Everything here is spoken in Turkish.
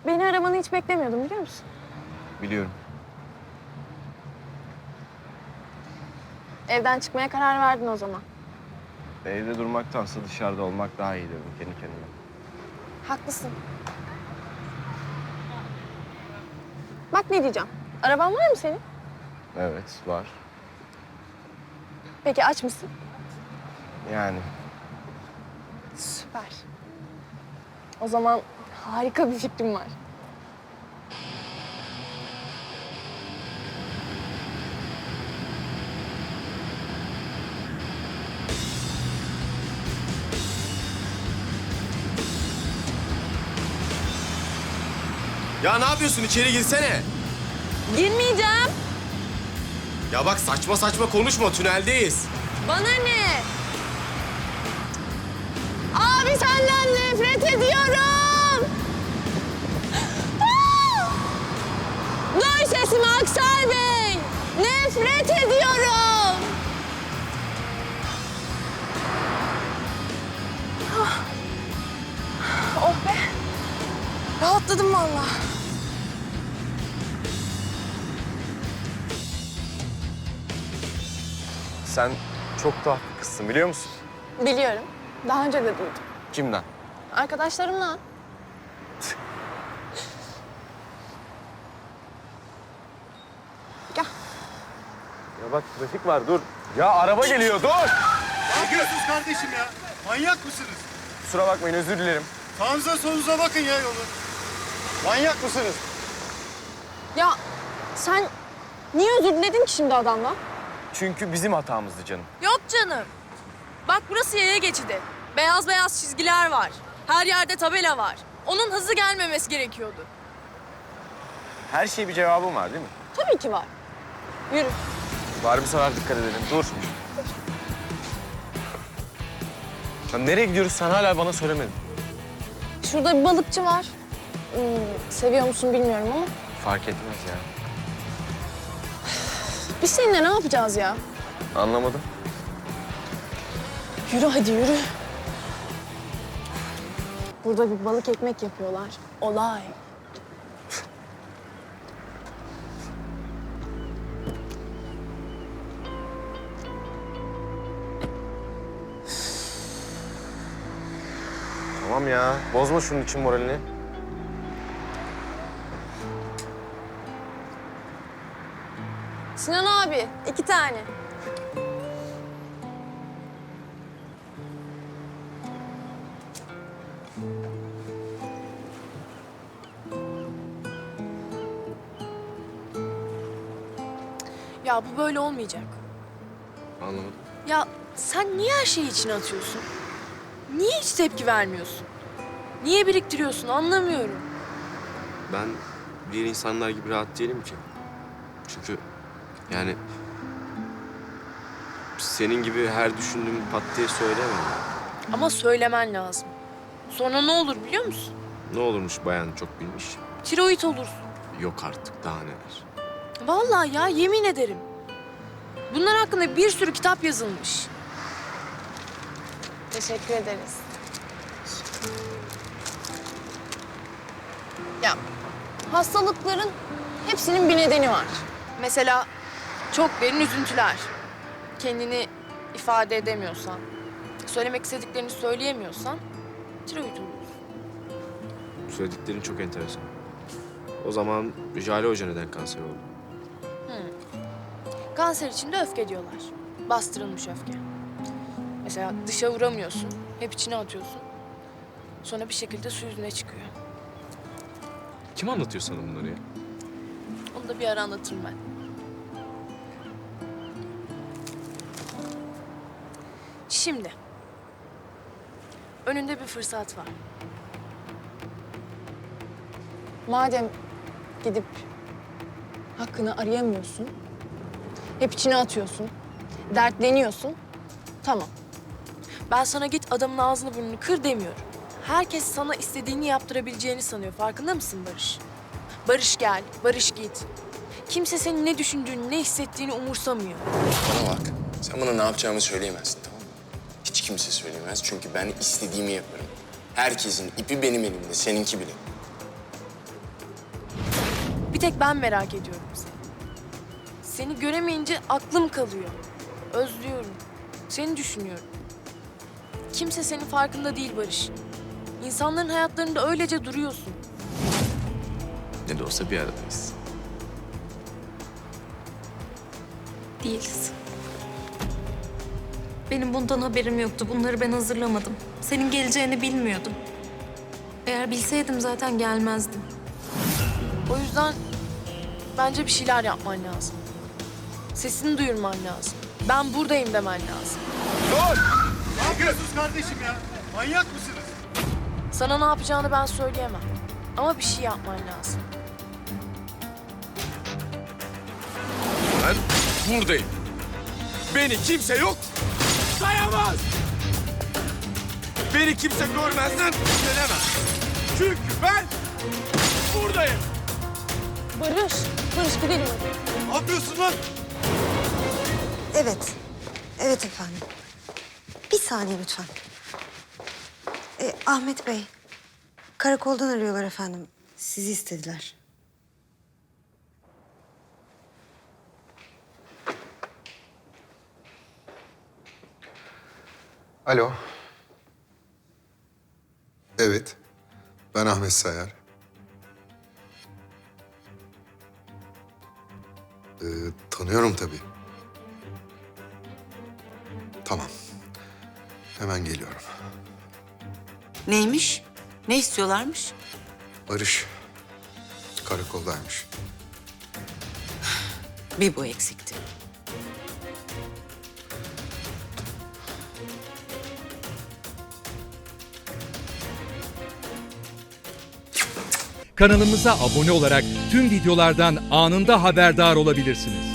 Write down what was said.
Beni aramanı hiç beklemiyordum biliyor musun? Biliyorum. Evden çıkmaya karar verdin o zaman. Evde durmaktansa dışarıda olmak daha iyi dedim kendi kendime. Haklısın. Bak ne diyeceğim. Araban var mı senin? Evet, var. Peki aç mısın? Yani Süper. O zaman harika bir fikrim var. Ya ne yapıyorsun? İçeri girsene. Girmeyeceğim. Ya bak saçma saçma konuşma. Tüneldeyiz. Bana ne? Abi senden nefret ediyorum. Duy sesimi Aksel Bey. Nefret ediyorum. Oh be. Rahatladım vallahi. sen çok tuhaf bir kızsın biliyor musun? Biliyorum. Daha önce de duydum. Kimden? Arkadaşlarımla. Gel. Ya bak trafik var dur. Ya araba geliyor dur. Ne yapıyorsunuz kardeşim ya? Manyak mısınız? Kusura bakmayın özür dilerim. Sağınıza solunuza bakın ya yolu. Manyak mısınız? Ya sen niye özür diledin ki şimdi adamla? Çünkü bizim hatamızdı canım. Yok canım. Bak burası yaya geçidi. Beyaz beyaz çizgiler var. Her yerde tabela var. Onun hızlı gelmemesi gerekiyordu. Her şeye bir cevabım var değil mi? Tabii ki var. Yürü. Var bir sefer dikkat edelim. Dur. Ya nereye gidiyoruz sen hala bana söylemedin. Şurada bir balıkçı var. Seviyor musun bilmiyorum ama. Fark etmez ya. Biz seninle ne yapacağız ya? Anlamadım. Yürü hadi yürü. Burada bir balık ekmek yapıyorlar. Olay. Tamam ya. Bozma şunun için moralini. Sinan abi 2 tane. Ya bu böyle olmayacak. Anlamadım. Ya sen niye her şeyi içine atıyorsun? Niye hiç tepki vermiyorsun? Niye biriktiriyorsun anlamıyorum. Ben diğer insanlar gibi rahat değilim ki. Çünkü yani senin gibi her düşündüğümü pat diye söyleyemem. Ama söylemen lazım. Sonra ne olur biliyor musun? Ne olurmuş bayan çok bilmiş. Tiroid olursun. Yok artık daha neler. Vallahi ya yemin ederim. Bunlar hakkında bir sürü kitap yazılmış. Teşekkür ederiz. Ya hastalıkların hepsinin bir nedeni var. Mesela çok derin üzüntüler. Kendini ifade edemiyorsan, söylemek istediklerini söyleyemiyorsan tiroid olursun. Söylediklerin çok enteresan. O zaman Jale Hoca neden kanser oldu? Kanser için de öfke diyorlar. Bastırılmış öfke. Mesela dışa vuramıyorsun, hep içine atıyorsun. Sonra bir şekilde su yüzüne çıkıyor. Kim anlatıyor sana bunları ya? Onu da bir ara anlatırım ben. Şimdi. Önünde bir fırsat var. Madem gidip hakkını arayamıyorsun, hep içine atıyorsun, dertleniyorsun, tamam. Ben sana git adamın ağzını burnunu kır demiyorum. Herkes sana istediğini yaptırabileceğini sanıyor. Farkında mısın Barış? Barış gel, Barış git. Kimse senin ne düşündüğünü, ne hissettiğini umursamıyor. Bana bak, sen bana ne yapacağımı söyleyemezsin, tamam mı? Hiç kimse söyleyemez çünkü ben istediğimi yaparım. Herkesin ipi benim elimde, seninki bile. tek ben merak ediyorum seni. Seni göremeyince aklım kalıyor. Özlüyorum. Seni düşünüyorum. Kimse senin farkında değil Barış. İnsanların hayatlarında öylece duruyorsun. Ne de olsa bir aradayız. Değiliz. Benim bundan haberim yoktu. Bunları ben hazırlamadım. Senin geleceğini bilmiyordum. Eğer bilseydim zaten gelmezdim. O yüzden bence bir şeyler yapman lazım. Sesini duyurman lazım. Ben buradayım demen lazım. Ne yapıyorsunuz kardeşim ya? Manyak mısınız? Sana ne yapacağını ben söyleyemem. Ama bir şey yapman lazım. Ben buradayım. Beni kimse yok sayamaz. Beni kimse görmezden gelemez. Çünkü ben buradayım. Barış gidelim hadi. Ne yapıyorsun lan? Evet. Evet efendim. Bir saniye lütfen. Ahmet Bey. Karakoldan arıyorlar efendim. Sizi istediler. Alo. Evet. Ben Ahmet Sayar. Tanıyorum tabii. Tamam. Hemen geliyorum. Neymiş? Ne istiyorlarmış? Barış karakoldaymış. Bir bu eksikti. Kanalımıza abone olarak tüm videolardan anında haberdar olabilirsiniz.